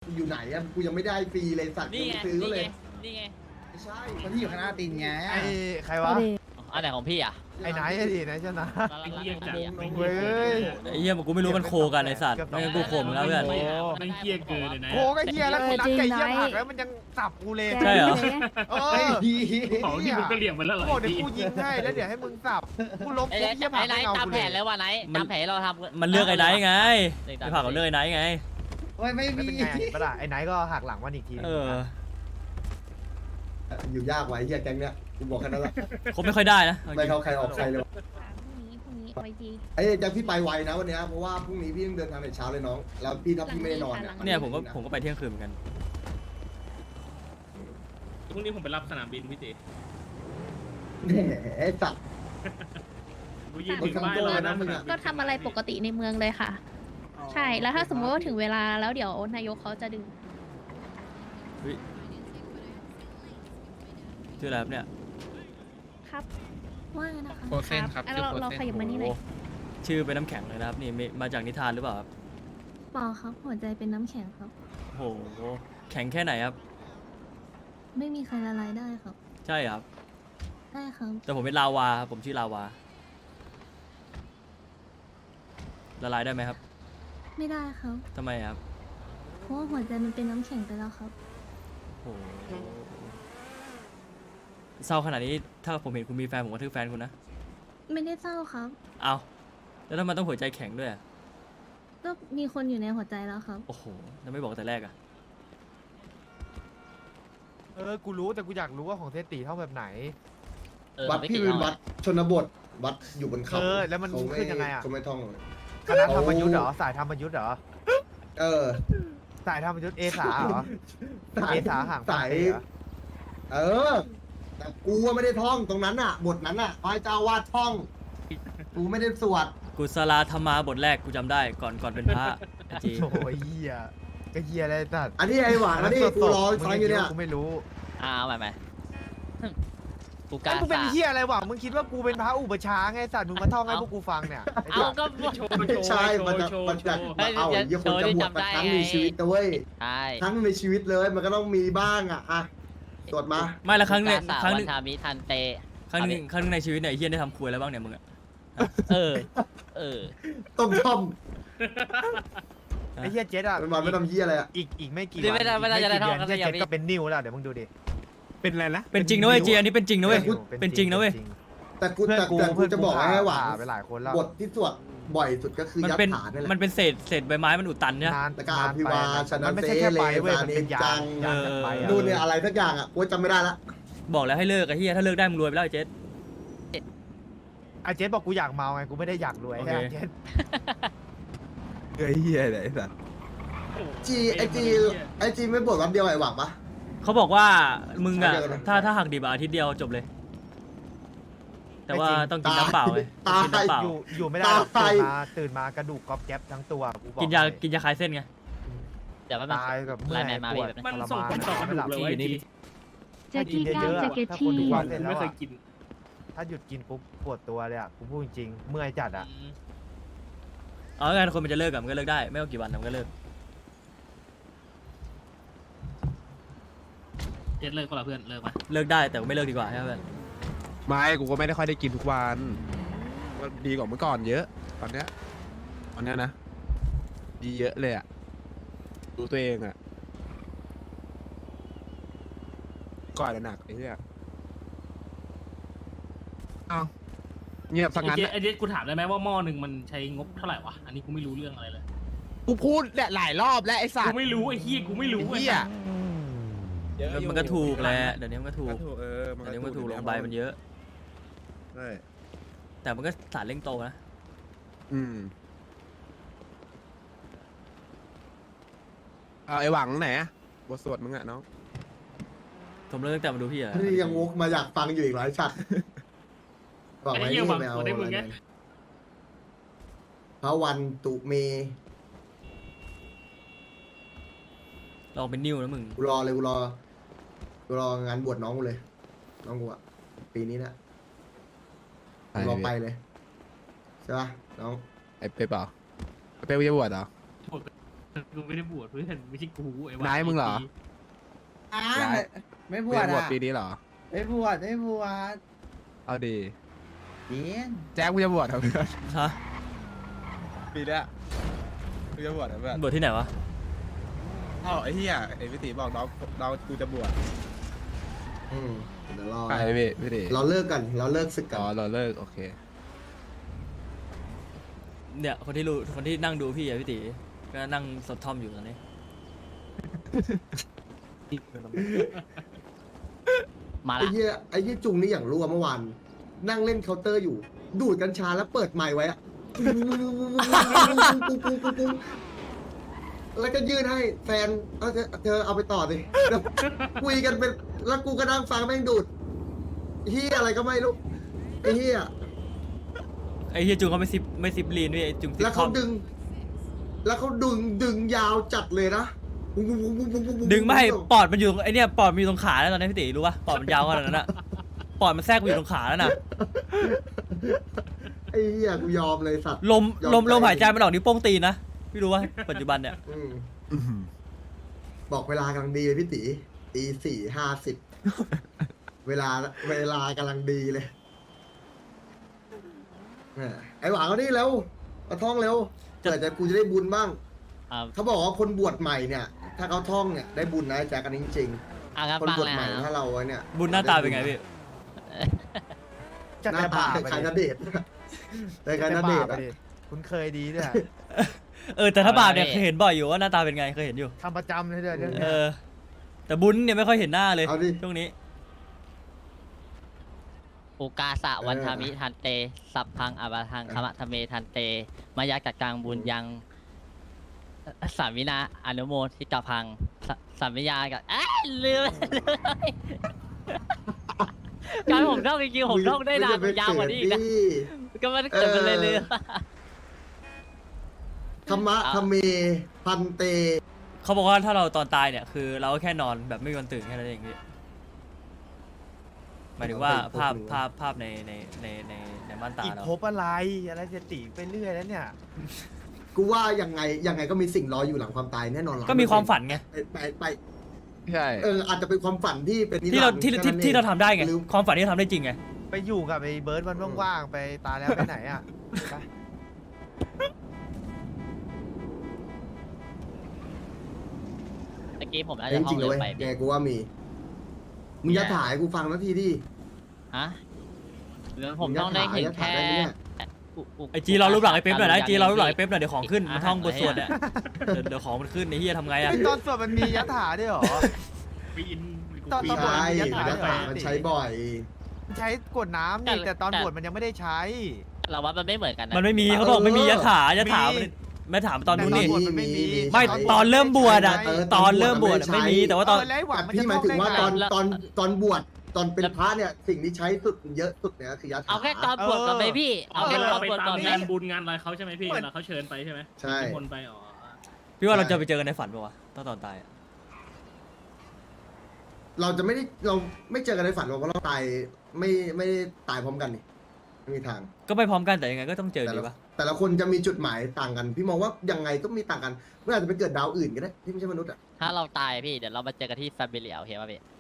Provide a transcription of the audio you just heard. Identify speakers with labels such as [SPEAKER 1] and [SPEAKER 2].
[SPEAKER 1] อยู่ไหนอะกูยังไม่ได้ฟรีเลยสัตว์
[SPEAKER 2] นี่
[SPEAKER 1] ยัง
[SPEAKER 2] ไง
[SPEAKER 1] ไม่ซื้อ
[SPEAKER 2] นี่
[SPEAKER 1] เล
[SPEAKER 2] ไง
[SPEAKER 1] ย
[SPEAKER 2] นี่ไง
[SPEAKER 1] ไม่ใช่
[SPEAKER 3] คนที่อยู่ข้างหน้าตีนไง
[SPEAKER 4] ไอ้ใครวะ
[SPEAKER 2] อันไหนของพี่อ่ะ
[SPEAKER 4] ไอ้ไหนไอ้ดิไหนชนะ
[SPEAKER 2] ไอ้เหี้ยจัด
[SPEAKER 4] เว้ย
[SPEAKER 5] ไอ้เหี้ยกูไม่รู้มันโคกันไอ้สัตว์ไม่งั้นกูโคมแล้วเพื่อน
[SPEAKER 2] ไม่เหี้ยเกินเลยนะ
[SPEAKER 4] โคก็เฮียแล้วกูนัดไก่เฮียผักแล้วมันยังสับกูเลย
[SPEAKER 5] ใช่เหรอ
[SPEAKER 4] เอ
[SPEAKER 1] ไอ้
[SPEAKER 4] อ
[SPEAKER 1] ดี
[SPEAKER 6] ของที่มึงก็เลี่ยงมันแล้วเหรอ
[SPEAKER 4] บอกเดี๋ยวกูยิงให้แล้วเดี๋ยวให้มึงสับกูล้ม
[SPEAKER 2] ไอ้
[SPEAKER 4] ปุ๊บเฮียผัก
[SPEAKER 2] ไหน
[SPEAKER 4] ไม่เอา
[SPEAKER 2] ตาม
[SPEAKER 4] กู
[SPEAKER 2] แผ
[SPEAKER 4] เลย
[SPEAKER 2] นแล้วว่ะไหนตามแผนเราทำ
[SPEAKER 5] มันเลือกไอ้ไนท์ไงไอ้ผักมันเลือกไอ้ไนท์ไง
[SPEAKER 3] โอ้ยไม่
[SPEAKER 4] ไม่
[SPEAKER 3] มี
[SPEAKER 4] เป็นไงปะล่ะไอ้ไหนก็หักหลังมันอีกที
[SPEAKER 5] เออ
[SPEAKER 1] อยู่ยากไว้เฮียแก๊งเนี้ยกูบอกแค่นั้นแหละ
[SPEAKER 5] คบไม่ค่อยได้นะอ
[SPEAKER 1] ไม่
[SPEAKER 5] จริง
[SPEAKER 1] เข้าใครออกใครเลย
[SPEAKER 7] พรุ่งนี้ไว้ดี
[SPEAKER 1] ไอ้แจ็คพี่ไปไวนะวันเนี้ยเพราะว่าพรุ่งนี้พี่ต้องเดินทางแต่เช้าเลยน้องแล้วพี่ถ้าพี่ไม่ได้นอนเนี่ย
[SPEAKER 5] เนี่ยผมก็ไปเที่ยงคืนเหมือนกัน
[SPEAKER 6] พรุ่งนี้ผมไปรับสนามบินพี่เจ
[SPEAKER 1] แหมไอ้สัตว์
[SPEAKER 6] กูยืนถึงบ้านรอนะมึง
[SPEAKER 7] ก็ทำอะไรปกติในเมืองเลยค่ะ ใช่แล้วถ้าสมมติว่าถึงเวลาแล้วเดี๋ยวนายกเขาจะดึง
[SPEAKER 5] ชื่ออะไรครับเนี่ย
[SPEAKER 7] ครับว่าไงนะคะ
[SPEAKER 8] โคเซนครับ
[SPEAKER 7] อ่ะ
[SPEAKER 8] ชื่อ
[SPEAKER 7] เรา
[SPEAKER 8] โคเซน
[SPEAKER 7] ขยับมานี่หน่อย
[SPEAKER 5] โอ้ชื่อเป็นน้ำแข็งเลยนะครับนี่มาจากนิทานหรือเปล่าครับ
[SPEAKER 7] เปล่าครับหัวใจเป็นน้ำแข็งครับ
[SPEAKER 5] โอ้โหแข็งแค่ไหนครับ
[SPEAKER 7] ไม่มีใครละลายได้ครับ
[SPEAKER 5] ใช่ครับ
[SPEAKER 7] ได้ครับ
[SPEAKER 5] แต่ผมเป็นลาวาครับผมชื่อลาวาละลายได้ไหมครับ
[SPEAKER 7] ไม่ได้ครับ
[SPEAKER 5] ทำไมครับ
[SPEAKER 7] เพราะว่าหัวใจมันเป็นน้ำแข็งไปแล้วครับ
[SPEAKER 5] โอ้โหเศร้าขนาดนี้ถ้าผมเห็นคุณมีแฟนผมก็ทึกแฟนคุณนะ
[SPEAKER 7] ไม่ได้เศร้าครับ
[SPEAKER 5] เอาแล้วทำไมต้องหัวใจแข็งด้วยอะ
[SPEAKER 7] ก็มีคนอยู่ในหัวใจแล้วครับ
[SPEAKER 5] โอ้โหแล้วไม่บอกแต่แรกอะ
[SPEAKER 4] เออกูรู้แต่กูอยากรู้ว่าของเทสตีเท่าแบบไหน
[SPEAKER 1] วัดพี่เป็นวัดชนบทวัดอยู่บนเขา
[SPEAKER 4] เออแล้วมัน
[SPEAKER 1] เขา
[SPEAKER 4] ขึ้นยังไงอะ
[SPEAKER 1] เขาไม่ท่อง
[SPEAKER 4] คณะธรรมยุทธ์เหรอสายธรรมยุทธ์เหรอ
[SPEAKER 1] เออ
[SPEAKER 4] สายธรรมยุทธ์เอสาเหรอ
[SPEAKER 1] สาย
[SPEAKER 4] เอสาห่าง
[SPEAKER 1] สายเออแต่กูว่าไม่ได้ท่องตรงนั้นอ่ะ บทนั้นอ่ะพระเจ้าวาดท่อง กูไม่ได้สวด
[SPEAKER 5] กุศลธรรมาบทแรกกูจำได้ก่อนเป็นพระไอ้จี
[SPEAKER 4] โอ้ยเฮียก็เฮียอะไรสัตว์
[SPEAKER 1] อันนี้ไอ้หวานอันนี้กูรอฟังอยู่เนี่ย
[SPEAKER 4] กูไม่รู้
[SPEAKER 2] เอาใหม่กูกา
[SPEAKER 4] ไอ้มึงเป็น
[SPEAKER 2] สา
[SPEAKER 4] เฮียอะไรวะมึงคิดว่ากูเป็นพระอุปชฌาย์ไงสัตว์มึงมาท่องให้พวกกูฟังเนี่ยไอ้
[SPEAKER 2] เอา
[SPEAKER 4] สัตว์
[SPEAKER 2] ก็
[SPEAKER 6] โชว์
[SPEAKER 1] ไม่ใช่มันจะเอาไอ้เหี้ยคนจะบวชมาครั้งในชีวิตนะเว้ย
[SPEAKER 2] ใช่
[SPEAKER 1] ครั้งในชีวิตเลยมันก็ต้องมีบ้างอ่ะอะสวดมา
[SPEAKER 5] ไม่ละครั้งเนี่ยครั้งห
[SPEAKER 2] วั
[SPEAKER 5] นึ
[SPEAKER 2] น
[SPEAKER 5] ง
[SPEAKER 2] ทามิทันเต
[SPEAKER 5] ครั้งหนึงในชีวิตเนี่ยไอ้เฮียได้ทำครัวแล้วบ้างเนี่ยมึงอะ
[SPEAKER 2] เออ เออ
[SPEAKER 1] ต้มท่อม
[SPEAKER 4] ไอ้เฮียเจ็ดอ่ะ
[SPEAKER 1] มันมาไม่ทำเหี้ยอะไรอ่ะ
[SPEAKER 4] อีกไม่กี่
[SPEAKER 2] ไม่ได้
[SPEAKER 4] วัน
[SPEAKER 2] ไม่ได้
[SPEAKER 4] อีก
[SPEAKER 2] จะได้
[SPEAKER 4] เดือน
[SPEAKER 2] ท่อง
[SPEAKER 4] เฮีย
[SPEAKER 2] กัน
[SPEAKER 4] เจ็ด
[SPEAKER 2] อย่างนี้
[SPEAKER 4] ก็เป็นนิ้วแล้วเดี๋ยวมึงดูดิ
[SPEAKER 6] เป็นอะไรนะ
[SPEAKER 5] เป็นจริงนะเว้ยจีอันนี้เป็นจริงนะเว้ยเป็นจริงนะเว้ย
[SPEAKER 1] แต่กู
[SPEAKER 4] เพื่อน
[SPEAKER 1] แต่
[SPEAKER 4] กู
[SPEAKER 1] แต่กู
[SPEAKER 4] เพื่อน
[SPEAKER 1] จะบอกให้หวาน
[SPEAKER 4] ไปหลายคนแล้ว
[SPEAKER 1] บทที่สวดบ่อยสุดก็คือ
[SPEAKER 5] มัน
[SPEAKER 1] ยัด
[SPEAKER 5] เป็น
[SPEAKER 1] ฐานนี่แห
[SPEAKER 5] มัน
[SPEAKER 1] ละ
[SPEAKER 5] เป็นเศษใบไม้มันอุดตันเนี่ย
[SPEAKER 4] นาน
[SPEAKER 1] แล้วก็อภิวาชนะ
[SPEAKER 4] มันไม่ใช่แค่ใบเว้ย
[SPEAKER 1] เส
[SPEAKER 4] มันเป็นยา
[SPEAKER 1] จั
[SPEAKER 4] ง
[SPEAKER 1] ง
[SPEAKER 4] ยางจากใบอะ
[SPEAKER 1] นู่นเนี่ยอะไรสักอย่างอ่ะกูจำไม่ได้ละ
[SPEAKER 5] บอกแล้วให้เลิกไอ้เฮียถ้าเลิกได้มึงรวยไปแล้วไอ้เจ๊
[SPEAKER 4] ไอ้เจ็ดบอกกูอยากเมาไงกูไม่ได้อยากรวย
[SPEAKER 5] โอ
[SPEAKER 4] ไอ้
[SPEAKER 5] เค
[SPEAKER 4] เจ็ด
[SPEAKER 8] ไอ้เหี้ยไหนสัตว์
[SPEAKER 1] จีไอจีไม่บทวันเดียวไอ้หวังปะ
[SPEAKER 5] เขาบอกว่ามึงอะ
[SPEAKER 1] เดี๋ยวนะ
[SPEAKER 5] ถ้าหักดิบอะอาทิตย์เดียวจบเลย แต่ว่าต้องกินน้ำเปล่าไง
[SPEAKER 1] ตาย
[SPEAKER 5] กินน้ำเปล่า
[SPEAKER 4] อยู่ไม่ได้หรอก
[SPEAKER 1] ตาย
[SPEAKER 4] ตื่นมากระดูกก๊อบแก๊บทั้งตัวกูบอก
[SPEAKER 5] กินยาคลายเส้นไง
[SPEAKER 2] เดี๋ยวมัน
[SPEAKER 4] ตายกับเมื่อย
[SPEAKER 2] ไลน์แมนมา
[SPEAKER 4] ปวด
[SPEAKER 2] พี่
[SPEAKER 6] มัน
[SPEAKER 4] ทร
[SPEAKER 6] ส่ง
[SPEAKER 4] มาน
[SPEAKER 6] ผลต่อกระดูกเลย
[SPEAKER 5] ที่อยู่นี่
[SPEAKER 7] แจ็คกี้ก้าวแจ็คเก็ต
[SPEAKER 4] ถ้า
[SPEAKER 7] ที่
[SPEAKER 4] คนทุกวัน
[SPEAKER 6] ผ
[SPEAKER 4] เลย
[SPEAKER 6] ม
[SPEAKER 4] แล้ว
[SPEAKER 6] ไม่เค
[SPEAKER 4] อะ
[SPEAKER 6] ยกิน
[SPEAKER 4] ถ้าหยุดกินปุ๊บปวดตัวเลยอ่ะกูพูดจริงๆเมื่อยจัดอ่ะ
[SPEAKER 5] เอาไงคนมันจะเลิกอะมันก็เลิกได้ไม่ว่ากี่วันมันก็เลิก
[SPEAKER 6] เจ็ดเลิกก็ละเพื่อนเลิกมา
[SPEAKER 5] เลิกได้แต่ก็ไม่เลิกดีกว่าใช่ไหมเพื่อน
[SPEAKER 8] ไม่กูก็ไม่ได้ค่อยได้กินทุกวันก็ดีกว่าเมื่อก่อนเยอะตอนเนี้ยนะดีเยอะเลยอ่ะดูตัวเองอ่ะก่อนหนักไอ้เหี้ยเอ้าเงียบสังงั้น
[SPEAKER 6] ไอเจ็ดกูถามได้ไหมว่าหม้อหนึ่งมันใช้งบเท่าไหร่วะอันนี้กูไม่รู้เรื่องอะไรเลย
[SPEAKER 8] กูพูดเนี่ยหลายรอบแล้วไอ้สัต
[SPEAKER 6] กู
[SPEAKER 8] ว์
[SPEAKER 6] ไม่รู้ไอ้เฮียกูไม่รู้
[SPEAKER 8] ไอ้เหี้ย
[SPEAKER 5] มันก็ถูกแหละเดี๋ยวนี้มันก็ถูก
[SPEAKER 8] ก็ถูกมัน
[SPEAKER 5] เดี๋ยวนี้มันก็ถูก
[SPEAKER 8] อยู่
[SPEAKER 5] ล
[SPEAKER 8] แว
[SPEAKER 5] งใบมันเยอะ
[SPEAKER 8] ใช่
[SPEAKER 5] แต่มันก็สารเร่งโตนะ
[SPEAKER 8] อืมเอาไอ้หวังไหนอะบทสวดมึงอะน้อง
[SPEAKER 5] ผมเลิกตั้งแต่มาดูพี่อะ
[SPEAKER 1] นี่ยังวกมาอยากฟังอยู่อีกหลายชัดบอก
[SPEAKER 6] ไอ้
[SPEAKER 1] ไว้
[SPEAKER 6] เฮีย
[SPEAKER 1] นี่
[SPEAKER 6] หวัง
[SPEAKER 1] ไม่เอา
[SPEAKER 6] กูได้มึงไง
[SPEAKER 1] พระวันตุเม
[SPEAKER 5] ลองเป็นนิ้วนะมึง
[SPEAKER 1] กูรอเลยกูรองานบวชน้องกูเลย น้องกูอะปีนี้นะกูรอไปเลยใช่ปะน้อง
[SPEAKER 8] ไอ้เป๊ปเหรอไอ้เป๊ปจะบวชเหรอ
[SPEAKER 6] กูไม่ได้บวชเพื่อนไม่ใช่กูไอ้วะ
[SPEAKER 8] นายมึงเหรอ
[SPEAKER 3] อ่า
[SPEAKER 8] ย้าย
[SPEAKER 3] ไม่บ
[SPEAKER 8] เรี
[SPEAKER 3] วย ช
[SPEAKER 8] นบวช
[SPEAKER 3] อ่ะ
[SPEAKER 8] ปีนี้เหรอ
[SPEAKER 3] ไม่บวชไม่บวช
[SPEAKER 8] เอาดี
[SPEAKER 3] เรียน
[SPEAKER 8] แจ็คมึงจะบวชเหรอเพื่อน
[SPEAKER 5] ฮะ
[SPEAKER 8] ปีเนี้ยมึงจะบวชเหรอเพื่อน
[SPEAKER 5] บวชที่ไหนวะ
[SPEAKER 8] เอ้าไอ้เหี้ยไอ้พี่ตีบอกน้องกูจะบวช
[SPEAKER 1] เดี๋ยวรอ
[SPEAKER 8] ใช่พี่ตี
[SPEAKER 1] เราเลิกกันเราเลิกศึกกั
[SPEAKER 8] อ๋อน เราเลิกโอเค
[SPEAKER 5] เนี่ยคนที่นั่งดูพี่อะพี่ตีก็นั่งสดทอมอยู่ตอนนี้
[SPEAKER 2] มา
[SPEAKER 1] ไอ้
[SPEAKER 2] ละ
[SPEAKER 1] เหี้ยจุงนี่อย่างรั่วเมื่อวานนั่งเล่นเคาน์เตอร์อยู่ ดูดกัญชาแล้วเปิดไมค์ไว้อะแล้วก็ยื่นให้แฟนเธอเอาไปต่อสิแล้วคุยกันเป็นแล้วกูก็นั่งฟังแม่งดูดเฮียอะไรก็ไม่รู้ไอ้เฮีย
[SPEAKER 5] ไอ้เฮียจุงเขาไม่ซิปลีนด้วยไอ้จุงซิป
[SPEAKER 1] แล้ว
[SPEAKER 5] ท
[SPEAKER 1] เขา
[SPEAKER 5] อม
[SPEAKER 1] ดึงยาวจัดเลยนะ
[SPEAKER 5] ดึงไม่ให้ปอดมันอยู่ไอเนี่ยปอดมันอยู่ตรงขาแล้วตอนนี้พี่ตีรู้ป่ะปอดมันยาวขนาดนั้นอะปอดมันแทรกไปอยู่ตรงขาแล้วน่ะ
[SPEAKER 1] ไอ้เฮียกูยอมเลยสัตว์
[SPEAKER 5] ลม
[SPEAKER 1] ยอม
[SPEAKER 5] ลม
[SPEAKER 1] ใจ
[SPEAKER 5] ลมหายใจมันออกนิ้วโป้งตีนนะพี่รู้ว่าปัจจุบันเนี่ย
[SPEAKER 1] บอกเวลากำลังดีเลยพี่ตี4:50เวลากำลังดีเลยไอ้หวังเอานี่เร็วเอาท่องเร็วเกิดจะกูจะได้บุญบ้าง
[SPEAKER 2] อ่า
[SPEAKER 1] เขาบอกว่าคนบวชใหม่เนี่ย ถ้าเขาท่องเนี่ยได้บุญนะแจ๊กกันจริง
[SPEAKER 2] งั้น
[SPEAKER 1] ๆคน
[SPEAKER 2] ฟัง
[SPEAKER 1] บวช
[SPEAKER 2] เลย
[SPEAKER 1] ใหม่
[SPEAKER 2] นะ
[SPEAKER 1] ถ้าเราเนี่ย
[SPEAKER 5] บุญหน้าตาเป็นไงพี่
[SPEAKER 4] จะ
[SPEAKER 1] หน้า
[SPEAKER 4] แต่
[SPEAKER 1] ตา
[SPEAKER 4] บาป
[SPEAKER 1] คล้ายๆ
[SPEAKER 4] ไป
[SPEAKER 1] นเดชน์คล้ายๆนเดชน์
[SPEAKER 4] อะ
[SPEAKER 1] อะ
[SPEAKER 4] คุณเคยดีด้วยอะ
[SPEAKER 5] แต่ถ้าบาปเนี่ยเคยเห็นบ่อยอยู่ว่าหน้าตาเป็นไงเคยเห็นอยู่
[SPEAKER 4] ทำประจำเลยเดี๋ยว
[SPEAKER 5] เออ แต่บุญเนี่ยไม่ค่อยเห็นหน้าเลย
[SPEAKER 1] เอาดิ
[SPEAKER 5] ช่วงนี้
[SPEAKER 2] อุกาสะวันทามิทันเต สัพพังอาบาทังคมะทะเมทันเต มายักจักกังบุญยังสามินาอนุโมทิกาพังสามิยากับลืมการผมท่องจริงๆผมท่องได้นานยาวกว่านี้อีกนะก็มันเกิดมันเลยลืม
[SPEAKER 1] ธรรมะธรรมเมพันเต
[SPEAKER 5] เขาบอกว่าถ้าเราตอนตายเนี่ยคือเราก็แค่นอนแบบไม่มีวันตื่นแค่นั้นเองพี่หมายถึงว่าภาพในม่านตา
[SPEAKER 4] อีก
[SPEAKER 5] เรา
[SPEAKER 4] ภพอะไรจะตีไปเรื่อยแล้วเนี่ย
[SPEAKER 1] กูว่ายังไงก็มีสิ่งรออยู่หลังความตายแน่นอน
[SPEAKER 5] ก็มีความฝันไง
[SPEAKER 1] ไป
[SPEAKER 8] ใช่
[SPEAKER 1] อาจจะเป็นความฝันที่เป็นนิ
[SPEAKER 5] ที่เรา
[SPEAKER 1] รันดร์
[SPEAKER 5] ที่
[SPEAKER 1] แค่นั้น
[SPEAKER 5] ที่เราทำได้ไง
[SPEAKER 1] หรือ
[SPEAKER 5] ความฝันที่เราทำได้จริงไง
[SPEAKER 4] ไปอยู่กับไอ้เบิร์ดมันว่างๆไปตายแล้วไปไหนอ่ะไป
[SPEAKER 2] ตะกี้ผมอาจ
[SPEAKER 1] จ
[SPEAKER 2] จะท่อ
[SPEAKER 1] ริ
[SPEAKER 2] ง
[SPEAKER 1] งๆเล
[SPEAKER 2] เร็
[SPEAKER 1] ยว เว้ย
[SPEAKER 2] ไป
[SPEAKER 1] ไงกูว่ามีมึงจะถ่ายกูฟังนาทีดิ
[SPEAKER 2] ฮะหรือผมต้องได้เห็นแค่
[SPEAKER 5] ไอจีเรารูปหลังไอเป๊ปหน่อยนะไอจีเรารูปหลังไอเป๊ปหน่อยเดี๋ยวของขึ้นมันท่องบทสวดเนี่ยเดี๋ยวของมันขึ้นไอเฮียทำไงอะ
[SPEAKER 4] ไอ้ตอนสวดมันมียัตถาด้วยเหรอ
[SPEAKER 6] ปีน
[SPEAKER 4] ตอน
[SPEAKER 1] ไม่
[SPEAKER 4] บวช
[SPEAKER 1] ใช่
[SPEAKER 4] มียัตถา
[SPEAKER 1] ยัตถามันใช้บ่อย
[SPEAKER 4] มันใช้กดน้ำนี่แต่ตอนบวชมันยังไม่ได้ใช้
[SPEAKER 2] เราว่ามันไม่เหมือนกันนะ
[SPEAKER 5] มันไม่มีเขาบอกไม่มียถายถามันไม่ถามตอนนู้นนี่
[SPEAKER 4] แต่ตอนบวชมันไม่มี
[SPEAKER 5] ไม่ตอนเริ่มบวชอะ
[SPEAKER 1] เออ
[SPEAKER 5] ตอนเริ่มบวช
[SPEAKER 1] ตอนบวชมันไม่
[SPEAKER 5] ไม่มี
[SPEAKER 1] ใช้
[SPEAKER 5] แต่ว่าตอน
[SPEAKER 4] แล้วไอ้หวัง
[SPEAKER 1] แต่
[SPEAKER 4] มัน
[SPEAKER 1] พี่
[SPEAKER 4] จะ
[SPEAKER 1] หมายถึงว่า
[SPEAKER 4] ท่องได้ไ
[SPEAKER 1] ตอนบวชตอนเป็นพระเนี่ยสิ่งที่ใช้สุดเยอะสุดเนี่ยคือยาถา
[SPEAKER 2] เอาแค่ตอนบวชก่อนไหมพี่เอาแค่ตอน
[SPEAKER 6] ไป
[SPEAKER 2] บวช
[SPEAKER 6] ตา
[SPEAKER 2] ก่อ
[SPEAKER 6] ม
[SPEAKER 2] นไหม
[SPEAKER 6] งานบุญงานอะไรเขาใช่ไหมพี่เวลาเขาเชิญไปใช่ไหม
[SPEAKER 1] ใช่
[SPEAKER 6] นิมนต์ไปอ๋อ
[SPEAKER 5] พี่ว่าเราจะไปเจอกันในฝันป่าวะตอนตายอะ
[SPEAKER 1] เราไม่เจอกันในฝันหรอกเพราะเราตายไม่ได้ตายพร้อมกันนี่ไม่มีทาง
[SPEAKER 5] ก็ไปพร้อมกันแต่ยังไงก็ต้องเจอ
[SPEAKER 1] แต่
[SPEAKER 5] ดี
[SPEAKER 1] ละ
[SPEAKER 5] ปะ
[SPEAKER 1] แต่ละคนจะมีจุดหมายต่างกัน พี่มองว่ายังไงก็มีต่างกันเมื่ออาจจะไปเกิดดาวอื่นก็ได้ที่ไม่ใช่มนุษย์อ่ะ
[SPEAKER 2] ถ้าเราตายพี่เดี๋ยวเรามาเจอกันที่แฟมิเลียโอเคป่ะพี่